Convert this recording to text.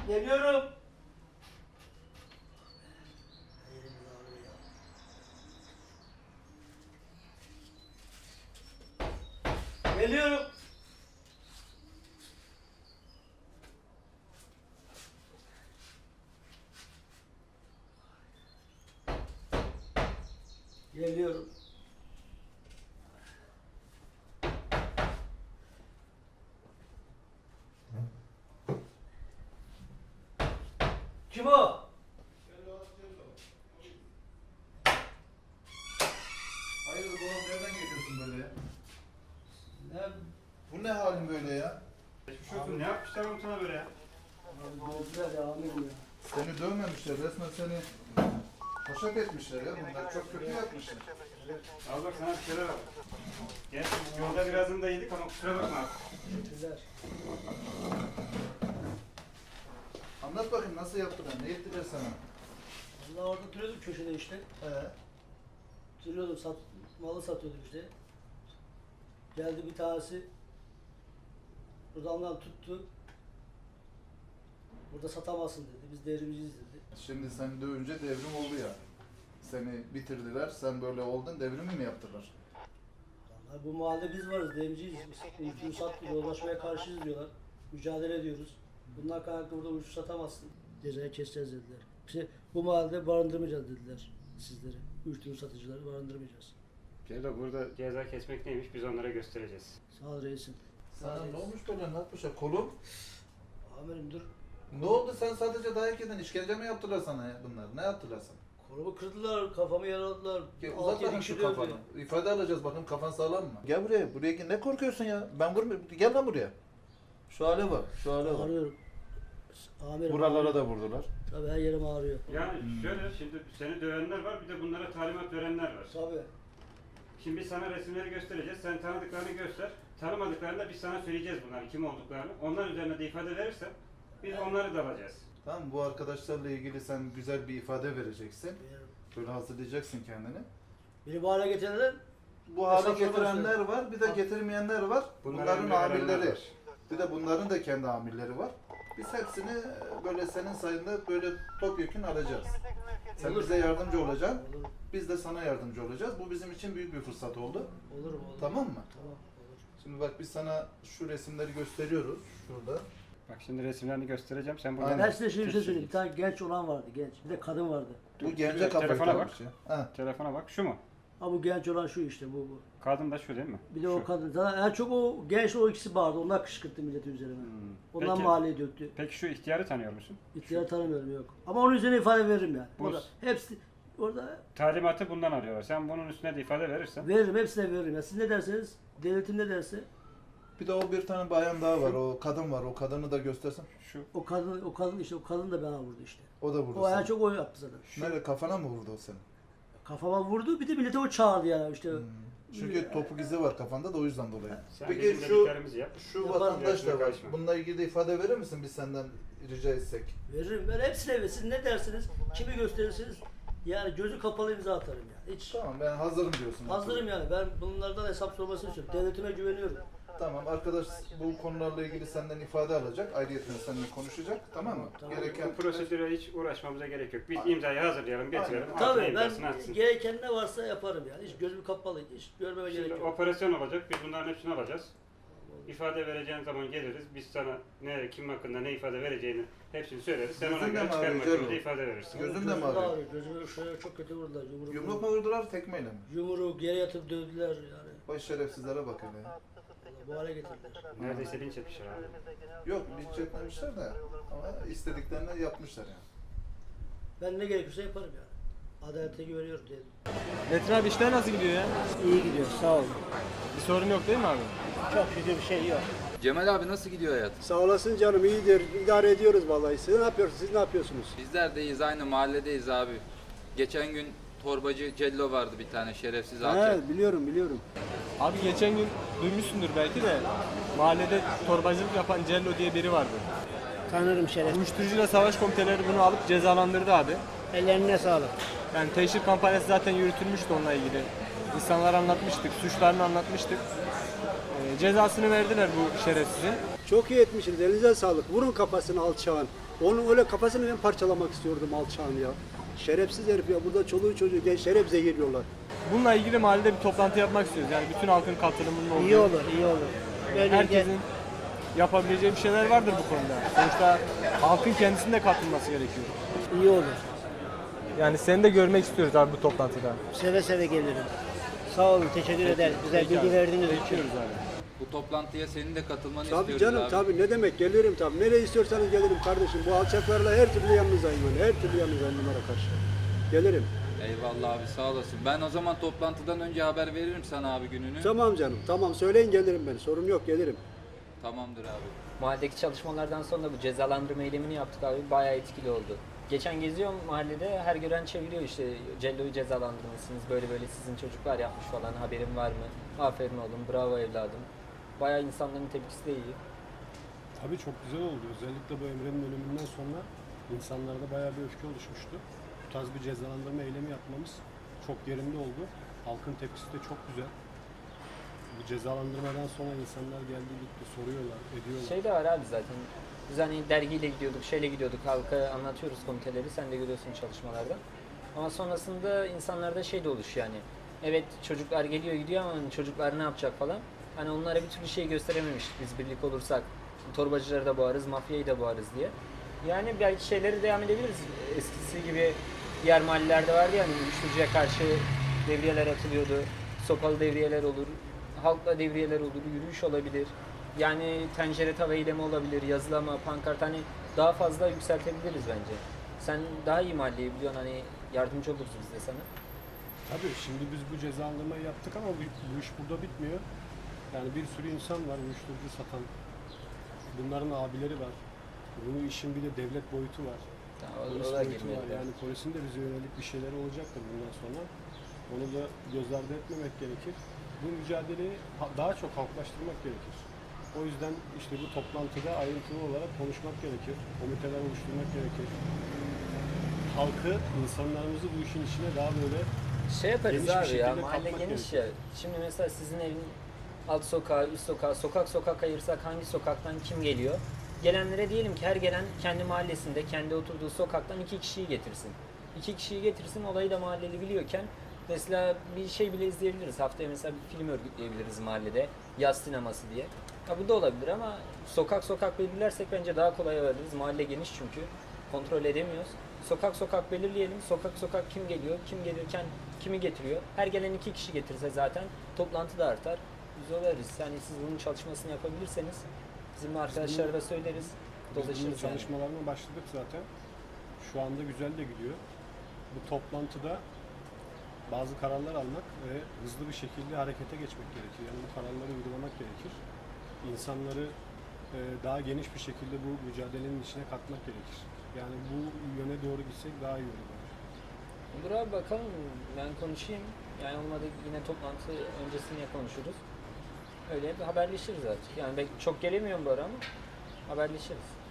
Geliyorum. Geliyorum. Geliyorum. Kim o? Hayırdır oğlum, nereden geliyorsun böyle ya? Ne? Bu ne halin böyle ya? Ne yapmışlar oğlum sana böyle ya? Gözler ya amirim ya. Seni dövmemişler, resmen seni haşat etmişler ya bunlar. Çok kötü yapmışlar. Al bak sana bir şeyler al. Gel yolda birazını da yedik ama kusura bakma abi. Teşekkürler. Anlat bakayım, nasıl yaptılar, ne ettiler sana? Vallahi orada duruyordum köşede işte. Duruyordum, malı satıyordum işte. Geldi bir tanesi. Buradan tuttu. Burada satamazsın dedi. Biz devrimciyiz dedi. Şimdi sen dövünce devrim oldu ya. Seni bitirdiler, sen böyle oldun, devrimi mi yaptılar? Vallahi bu mahallede biz varız, devrimciyiz biz. Uyuşturucu satmıyor, yollaşmaya karşıyız diyorlar. Mücadele ediyoruz. Bundan kaynaklı burada uyuşturucu satamazsın. Cezayı keseceğiz dediler. İşte bu mahallede barındırmayacağız dediler sizleri. Uyuşturucu satıcıları barındırmayacağız. Ceyda burada ceza kesmek neymiş biz onlara göstereceğiz. Sağ ol reisim. Sana ne olmuş böyle, ne yapmışlar? Kolun? Amirim dur. Ne oldu, sen sadece dayak yedin, işkence mi yaptılar sana ya bunlar? Ne yaptılar sana? Kolumu kırdılar, kafamı yaraladılar. Uzat 6-7 bakayım kişi şu dövdü. kafanı. İfade alacağız, bakın kafan sağlam mı? Gel buraya, buraya ne korkuyorsun ya? Ben vurmuyorum, gel lan buraya. Şu hale bak, şu hale bak. Ağrıyorum. Amirim. Buralara da vurdular. Tabii her yerim ağrıyor. Yani şöyle şimdi seni dövenler var bir de bunlara talimat verenler var. Tabii. Şimdi biz sana resimleri göstereceğiz. Sen tanıdıklarını göster. Tanımadıklarını da biz sana söyleyeceğiz bunların kim olduklarını. Onlar üzerine de ifade verirsen biz onları da alacağız. Tamam, bu arkadaşlarla ilgili sen güzel bir ifade vereceksin. Veririm. Böyle hazırlayacaksın kendini. Beni bu hale getirenler Bu hale Hesap getirenler sorması. var, bir de getirmeyenler var. Bunların emri verenler amirleri. var. Bir de bunların da kendi amirleri var. Biz hepsini böyle senin sayında böyle topyekun alacağız. Sen Olur. bize yardımcı olacaksın. olur. Biz de sana yardımcı olacağız. Bu bizim için büyük bir fırsat oldu. Olur mu? Olur. Tamam mı? Tamam olur. Şimdi bak, biz sana şu resimleri gösteriyoruz. Şurada. Bak şimdi resimlerini göstereceğim. Sen buradan Aynen. Ben size şimdi bir şey söyleyeyim. Bir tane genç olan vardı, genç. Bir de kadın vardı. Bu gence Telefona kafayı bak. takmış ya. Ha. Telefona bak. Şu mu? Ha bu genç olan şu işte bu. Kadın da şu değil mi? Bir de Şu. o kadın. Zaten en çok o genç o ikisi bağırdı. Onlar kışkırttı milleti üzerine. Ondan Peki. mahalleye döktü. Peki şu ihtiyarı tanıyor musun? İhtiyar tanımıyorum yok. Ama onun üzerine ifade veririm yani. Bu- Orada hepsi orada Talimatı bundan alıyorlar. Sen bunun üstüne de ifade verirsen. veririm, hepsine veririm. Ya siz ne derseniz, devletim ne derse Bir de o bir tane bayan daha var. O kadın var. O kadını da göstersen. Şu. o kadın işte o kadın da bana vurdu işte. O da vurdu O en seni. çok o yaptı zaten. Nerede, kafana mı vurdu o seni? Kafama vurdu, bir de millete o çağırdı yani işte. Çünkü topuk izi var kafanda da, o yüzden dolayı. Sen Peki bizim şu dediklerimizi yap. şu Yaparım, vatandaş da görüşme var. karışma. Bununla ilgili de ifade verir misin biz senden rica etsek? Veririm. Ben hepsine veririm. Siz ne dersiniz, kimi gösterirsiniz yani gözü kapalı imza atarım yani. Hiç Tamam, ben hazırım diyorsun. hazırım yani. Ben bunlardan hesap sormasını istiyorum. Devletime güveniyorum. Tamam, arkadaş bu konularla ilgili senden ifade alacak. Ayrıyeten seninle konuşacak. Tamam mı? Tamam. Gereken Bu prosedüre hiç uğraşmamıza gerek yok. Biz imzayı hazırlayalım, getirelim. altına Tabii imzasını ben atsın. gereken ne varsa yaparım yani. Hiç gözüm kapalı, hiç görmeme gerek Şimdi yok. operasyon olacak. Biz bunların hepsini alacağız. İfade vereceğin zaman geliriz. Biz sana ne, kim hakkında ne ifade vereceğini hepsini söyleriz. Sen ona Gözün de göre mi çıkarma ağrıyor yolunda Celal? ifade verirsin. Gözün de Gözüm mi ağrıyor? Gözümü şöyle çok kötü vurdular. yumruk mu vurdular, tekmeyle mi? Yumruğu geri yatıp dövdüler yani. Vay şerefsizlere bakın ya. Bu hale getirdiler. Neredeyse linç etmişler abi. Yok, linç etmemişler de ama istediklerini yapmışlar yani. Ben ne gerekiyorsa yaparım yani. Adalete güveniyorum diyelim. Metin abi işler nasıl gidiyor ya? İyi gidiyor, sağ olun. Bir sorun yok değil mi abi? Çok şükür bir şey yok. Cemal abi nasıl gidiyor hayat? Sağ olasın canım, iyidir. İdare ediyoruz vallahi. Siz ne yapıyorsunuz? Siz ne yapıyorsunuz? Bizler deyiz, aynı mahalledeyiz abi. Geçen gün torbacı Cello vardı, bir tane şerefsiz alçak. He, biliyorum. Abi geçen gün duymuşsundur belki de mahallede torbacılık yapan Cello diye biri vardı. Tanırım şeref. Uyuşturucuyla savaş komiteleri bunu alıp cezalandırdı abi. Ellerine sağlık. Yani teşhir kampanyası zaten yürütülmüştü onunla ilgili. İnsanlara anlatmıştık, suçlarını anlatmıştık. Cezasını verdiler bu şerefsizin. Çok iyi etmişsiniz. Elinize sağlık. Vurun kafasını alçağın. Onun öyle kafasını ben parçalamak istiyordum alçağın ya. Şerefsiz herif ya. Burada çoluğu çocuğu gençleri hep zehirliyorlar. Bununla ilgili mahallede bir toplantı yapmak istiyoruz. Yani bütün halkın katılımının olduğu. İyi olur, iyi olur. Böylece Herkesin yapabileceği bir şeyler vardır bu konuda. Sonuçta halkın kendisinin de katılması gerekiyor. iyi olur. Yani seni de görmek istiyoruz abi bu toplantıda. Seve seve gelirim. Sağ olun, teşekkür ederiz. Güzel Peki bilgi abi. verdiğiniz için. Bekliyoruz abi. Bu toplantıya senin de katılmanı Tabii istiyoruz canım abi. tabii ne demek gelirim tabii. Nereye istiyorsanız gelirim kardeşim. Bu alçaklarla her türlü yanınızdayım ben. Her türlü yanınızdayım bunlara karşı. Gelirim. Eyvallah abi sağ olasın. Ben o zaman toplantıdan önce haber veririm sana abi gününü. Tamam canım tamam söyleyin gelirim ben. Sorun yok gelirim. Tamamdır abi. Mahalledeki çalışmalardan sonra bu cezalandırma eylemini yaptık abi. Bayağı etkili oldu. Geçen geziyorum mahallede, her gören çeviriyor işte Cello'yu cezalandırmışsınız, böyle böyle sizin çocuklar yapmış falan, haberin var mı? Aferin oğlum, bravo evladım. Bayağı insanların tepkisi de iyi. Tabii çok güzel oldu. Özellikle bu Emre'nin ölümünden sonra insanlarda bayağı bir öfke oluşmuştu. Bu tarz bir cezalandırma eylemi yapmamız çok yerinde oldu. Halkın tepkisi de çok güzel. Bu cezalandırmadan sonra insanlar geldi gitti, soruyorlar, ediyorlar. Şey de var abi zaten. Biz hani dergiyle gidiyorduk, şeyle gidiyorduk, halka anlatıyoruz komiteleri, sen de görüyorsun çalışmalarda. Ama sonrasında insanlarda şey de oluşuyor yani. Evet çocuklar geliyor gidiyor ama hani çocuklar ne yapacak falan. Hani onlara bir türlü şey gösterememiştik biz birlik olursak. Torbacıları da boğarız, mafyayı da boğarız diye. Yani belki şeyleri devam edebiliriz. Eskisi gibi diğer mahallelerde vardı ya hani uyuşturucuya karşı devriyeler atılıyordu. Sopalı devriyeler olur, halkla devriyeler olur, yürüyüş olabilir. Yani tencere tava eylemi olabilir, yazılama, pankart hani daha fazla yükseltebiliriz bence. Sen daha iyi mahalleyi biliyorsun hani yardımcı oluruz biz de sana. Tabii şimdi biz bu cezalandırmayı yaptık ama bu iş burada bitmiyor. Yani bir sürü insan var uyuşturucu satan. Bunların abileri var. Bunun işin bir de devlet boyutu var. Polis O da boyutu girmeli. var. Yani polisin de bize yönelik bir şeyleri olacaktır bundan sonra. Onu da göz ardı etmemek gerekir. Bu mücadeleyi daha çok halklaştırmak gerekir. O yüzden işte bu toplantıda ayrıntılı olarak konuşmak gerekir. Komiteler oluşturmak gerekir. Halkı, insanlarımızı bu işin içine daha böyle Şey yaparız geniş bir abi ya, şekilde mahalle katmak geniş gerekiyor. ya. Şimdi mesela sizin evin alt sokağı, üst sokağı, sokak sokak ayırsak hangi sokaktan kim geliyor? Gelenlere diyelim ki her gelen kendi mahallesinde, kendi oturduğu sokaktan 2 kişiyi getirsin. 2 kişiyi getirsin, olayı da mahalleli biliyorken mesela bir şey bile izleyebiliriz. Haftaya mesela bir film örgütleyebiliriz mahallede, yaz sineması diye. Ha, bu da olabilir ama sokak sokak belirlersek bence daha kolay alırız. Mahalle geniş çünkü, kontrol edemiyoruz. Sokak sokak belirleyelim. Sokak sokak kim geliyor, kim gelirken kimi getiriyor. Her gelen 2 kişi getirse zaten toplantı da artar. Biz olarız. Yani siz bunun çalışmasını yapabilirseniz bizim arkadaşlara da söyleriz. Biz bunun Dolaşırız yani. çalışmalarına başladık zaten. Şu anda güzel de gidiyor. Bu toplantıda bazı kararlar almak ve hızlı bir şekilde harekete geçmek gerekir. Yani bu kararları uygulamak gerekir. İnsanları daha geniş bir şekilde bu mücadelenin içine katmak gerekir. Yani bu yöne doğru gitsek daha iyi olur. Olur abi bakalım. Ben konuşayım. Yani olmadı yine toplantı öncesinde konuşuruz. Öyle bir haberleşiriz artık. Yani ben çok gelemiyorum bu ara ama haberleşiriz.